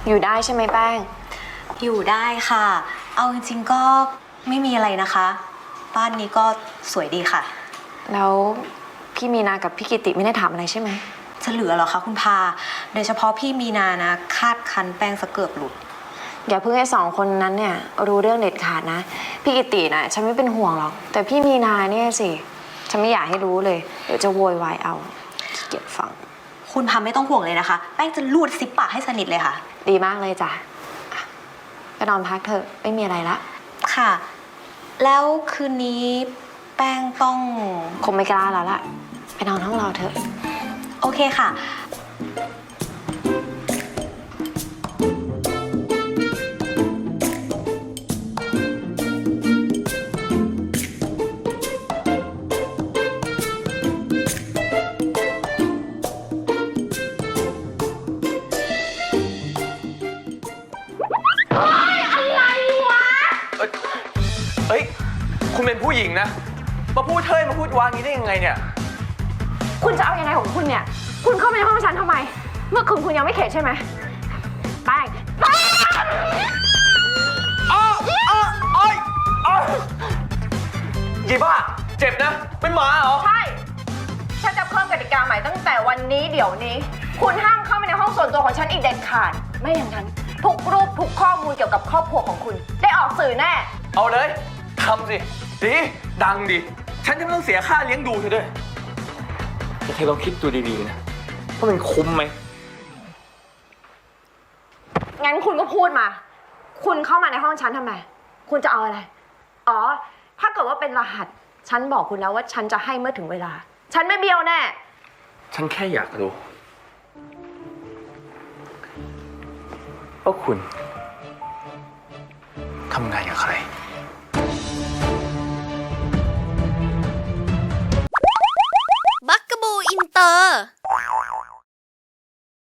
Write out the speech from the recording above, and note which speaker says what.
Speaker 1: อยู่ได้ใช่ไหมแป้ง
Speaker 2: อยู่ได้ค่ะ เอาจริงๆก็ไม่มีอะไรนะคะบ้านนี้ก็สวยดีค่ะ
Speaker 1: แล้วพี่มีนากับพี่กิติไม่ได้ถามอะไรใช่ไหม
Speaker 2: จะเหลือเหรอคะคุณพาโดยเฉพาะพี่มีนานะคาดคันแป้งสะเกือบหลุด
Speaker 1: อย่าเพิ่งให้2 คนนั้นเนี่ยรู้เรื่องเด็ดขาดนะพี่กิตินะฉันไม่เป็นห่วงหรอกแต่พี่มีนาเนี่ยสิฉันไม่อยากให้รู้เลยเดี๋ยวจะโวยวายเอาขี้เกียจฟัง
Speaker 2: คุณพาไม่ต้องห่วงเลยนะคะแป้งจะลูดซิปปากให้สนิทเลยค่ะ
Speaker 1: ดีมากเลยจ้ะไปนอนพักเถอะไม่มีอะไรละ
Speaker 2: ค่ะแล้วคืนนี้แป้งต้อง
Speaker 1: คงไม่กล้าแล้วล่ะไปนอนห้องเราเถอะ
Speaker 2: โอเคค่ะ
Speaker 3: เฮ้ยคุณเป็นผู้หญิงนะมาพูดเท่ยมาพูดวางงี้ได้ยังไงเนี่ย
Speaker 1: คุณจะเอายังไงของคุณเนี่ยคุณเข้ามาในห้องฉันทำไมเมื่อคืนคุณยังไม่เข็ดใช่ไหมแป้ง
Speaker 3: ยี่บ้าเจ็บนะเป็นหมาเหรอ
Speaker 1: ใช่ฉันจะเพิ่มกติกาใหม่ตั้งแต่วันนี้เดี๋ยวนี้คุณห้ามเข้ามาในห้องส่วนตัวของฉันอีกเด็ดขาดไม่อย่างนั้นทุกรูปทุกข้อมูลเกี่ยวกับครอบครัวของคุณได้ออกสื่อแน่
Speaker 3: เอาเลยทำสิดีดังดิฉันจะไม่ต้องเสียค่าเลี้ยงดูเธอด้วยแต่เธอลองคิดดูดีๆนะว่ามันคุ้มไหม
Speaker 1: งั้นคุณก็พูดมาคุณเข้ามาในห้องฉันทำไมคุณจะเอาอะไรอ๋อถ้าเกิดว่าเป็นรหัสฉันบอกคุณแล้วว่าฉันจะให้เมื่อถึงเวลาฉันไม่เบี้ยวแน่
Speaker 3: ฉันแค่อยากรู้ว่าคุณทำงานกับใคร